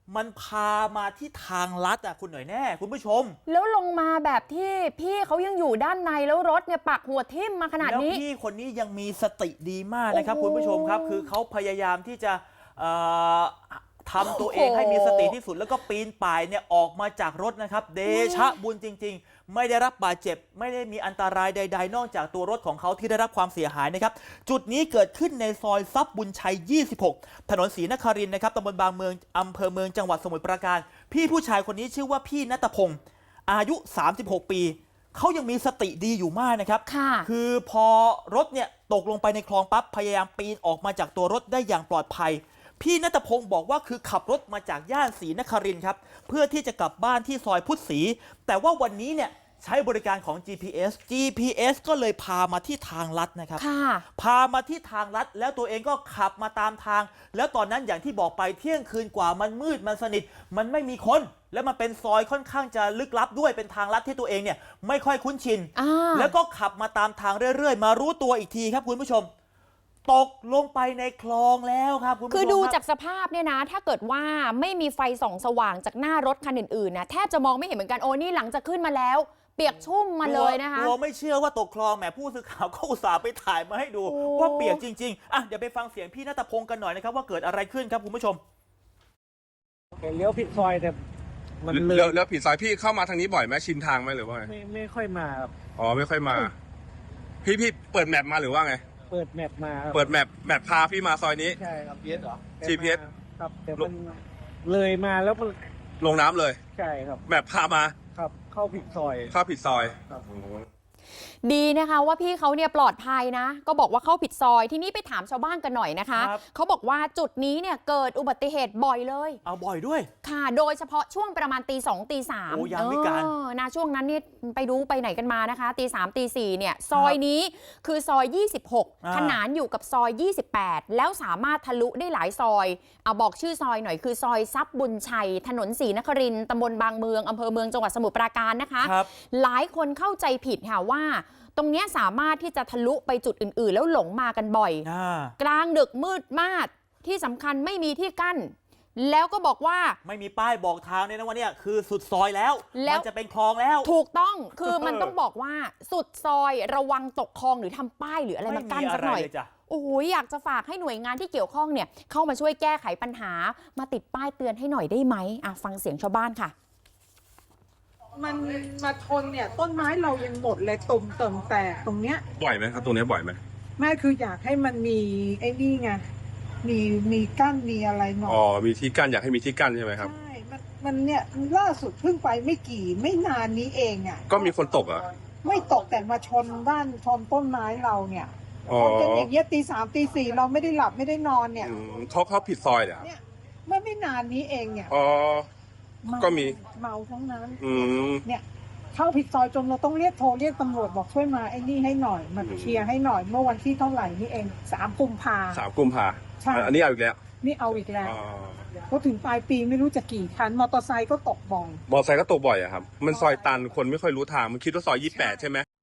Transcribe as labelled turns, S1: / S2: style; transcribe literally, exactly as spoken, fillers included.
S1: มันพามาที่ทางลัดอ่ะคุณหน่อยแน่คุณผู้ชม
S2: แล้วลงมาแบบที่พี่เขายังอยู่ด้านในแล้วรถเนี่ยปักหัวทิ่มมาขนาดนี้
S1: แล้วพี่คนนี้ยังมีสติดีมากนะครับคุณผู้ชมครับคือเขาพยายามที่จะทำตัวเองให้มีสติที่สุดแล้วก็ปีนป่ายเนี่ยออกมาจากรถนะครับเดชะบุญจริงๆไม่ได้รับบาดเจ็บไม่ได้มีอันตรายใดๆนอกจากตัวรถของเขาที่ได้รับความเสียหายนะครับจุดนี้เกิดขึ้นในซอยทรัพย์บุญชัยยี่สิบหกถนนศรีนครินทร์นะครับตำบลบางเมืองอำเภอเมืองจังหวัดสมุทรปราการพี่ผู้ชายคนนี้ชื่อว่าพี่ณัฐพงศ์อายุสามสิบหกปีเขายังมีสติดีอยู่มากนะครับคือพอรถเนี่ยตกลงไปในคลองปั๊บพยายามปีนออกมาจากตัวรถได้อย่างปลอดภัยพี่ณัฐพงศ์บอกว่าคือขับรถมาจากย่านศรีนครินทร์ครับเพื่อที่จะกลับบ้านที่ซอยพุทธศรีแต่ว่าวันนี้เนี่ยใช้บริการของ จี พี เอส จี พี เอส ก็เลยพามาที่ทางลัดนะครับพามาที่ทางลัดแล้วตัวเองก็ขับมาตามทางแล้วตอนนั้นอย่างที่บอกไปเที่ยงคืนกว่ามันมืดมันสนิทมันไม่มีคนแล้วมันเป็นซอยค่อนข้างจะลึกลับด้วยเป็นทางลัดที่ตัวเองเนี่ยไม่ค่อยคุ้นชินแล้วก็ขับมาตามทางเรื่อยๆมารู้ตัวอีกทีครับคุณผู้ชมตกลงไปในคลองแล้วครับคุณผู้ชม
S2: คือดูจากสภาพเนี่ยนะถ้าเกิดว่าไม่มีไฟส่องสว่างจากหน้ารถคันอื่นๆนะแทบจะมองไม่เห็นเหมือนกันโอ้นี่หลังจากขึ้นมาแล้วเปียกชุ่มมาเลยนะคะ
S1: เราไม่เชื่อว่าตกคลองแหมผู้สื่อข่าวก็อุตส่าห์ไปถ่ายมาให้ดูว่าเปียกจริงๆอ่ะเดี๋ยวไปฟังเสียงพี่ณัฐพงศ์กันหน่อยนะครับว่าเกิดอะไรขึ้นครับคุณผู้ชม
S3: เลี้ยวผิดซอยแต่
S4: มันเลี้ยวเลี้ยวผิดซอยพี่เข้ามาทางนี้บ่อยไหมชินทางไหมหรือว่า
S3: ไม่ไม่ค่อยมาครับ
S4: อ๋อไม่ค่อยมาพี่พี่เปิดแมปมาหรือว่าไง
S3: เปิดแมปมา
S4: เปิดแมปแมปพาพี่มาซอยนี้
S3: ใช่ครับ
S4: จี พี เอส เหรอ จี พี เอส
S3: ครับแต่มันเลยมาแล้ว
S4: ลงน้ำเลย
S3: ใช่ครับ
S4: แมปพามา
S3: ครับเข้าผิดซอย
S4: เข้าผิดซอย
S2: ดีนะคะว่าพี่เขาเนี่ยปลอดภัยนะก็บอกว่าเข้าผิดซอยที่นี่ไปถามชาวบ้านกันหน่อยนะคะเขาบอกว่าจุดนี้เนี่ยเกิดอุบัติเหตุบ่อยเลย
S1: เอาบ่อยด้วย
S2: ค่ะโดยเฉพาะช่วงประมาณตีสองตีสาม
S1: โอ้ยามวิกาล
S2: นะช่วงนั้นนี่ไปดูไปไหนกันมานะคะตีสามตีสี่เนี่ยซอยนี้คือซอยยี่สิบหกขนานอยู่กับซอยยี่สิบแปดแล้วสามารถทะลุได้หลายซอยเอาบอกชื่อซอยหน่อยคือซอยทรัพย์บุญชัยถนนศรีนครินทร์ตำบลบางเมืองอำเภอเมืองจังหวัดสมุทรปราการนะคะหลายคนเข้าใจผิดค่ะว่าตรงนี้สามารถที่จะทะลุไปจุดอื่นๆแล้วหลงมากันบ่อยกลางดึกมืดมากที่สำคัญไม่มีที่กั้นแล้วก็บอกว่า
S1: ไม่มีป้ายบอกทางเนี่ยนะว่าเนี่ยคือสุดซอยแล้วมันจะเป็นคลองแล้ว
S2: ถูกต้องคือมันต้องบอกว่าสุดซอยระวังตกคลองหรือทำป้ายหรืออะไรมากั้นสักหน่อยโอ้โหอยากจะฝากให้หน่วยงานที่เกี่ยวข้องเนี่ยเข้ามาช่วยแก้ไขปัญหามาติดป้ายเตือนให้หน่อยได้ไหมอ่ะฟังเสียงชาวบ้านค่ะ
S5: มันมาชนเนี่ยต้นไม้เรายังหมดเลยตุ่มเติมแตกตรงเนี้ย
S4: บ่อยไหมครับตรงนี้บ่อยไหม
S5: ไม่คืออยากให้มันมีไอ้นี่ไงมีมีกั้นมีอะไรหน่อย
S4: อ๋อมีที่กั้นอยากให้มีที่กั้นใช่ไหมครับ
S5: ใช่มันมันเนี่ยล่าสุดเพิ่งไปไม่กี่ไม่นานนี้เองอ่ะ
S4: ก็มีคนตกอ่ะ
S5: ไม่ตกแต่มาชนบ้านชนต้นไม้เราเนี่ยชนกันอย่างเงี้ยตีสามตีสี่เราไม่ได้หลับไม่ได้นอนเนี่ย
S4: เขาเขาผิดซอยเหรอ
S5: เนี่ยเมื่อไม่นานนี้เองเนี่ย
S4: อ๋อก็มี
S5: เมาทั้งนั้น
S4: เนี่
S5: ยเข้าผิดซอยจนเราต้องเรียกโทรเรียกตำรวจบอกช่วยมาไอ้นี่ให้หน่อยมาเคลียร์ให้หน่อยเมื่อวันที่เท่าไหร่นี่เองสามกุมภา
S4: สามกุมภา
S5: ใช่
S4: อันนี้เอาอีกแล้ว
S5: นี่เอาอีกแล้วเพราะถึงปลายปีไม่รู้จะกี่คันมอเตอร์ไซค์ก็ตกบ่อย
S4: มอเตอร์ไซค์ก็ตกบ่อยอะครับมันซอยตันคนไม่ค่อยรู้ทางมันคิดว่าซอยยี่สิบแปดใช่ไหม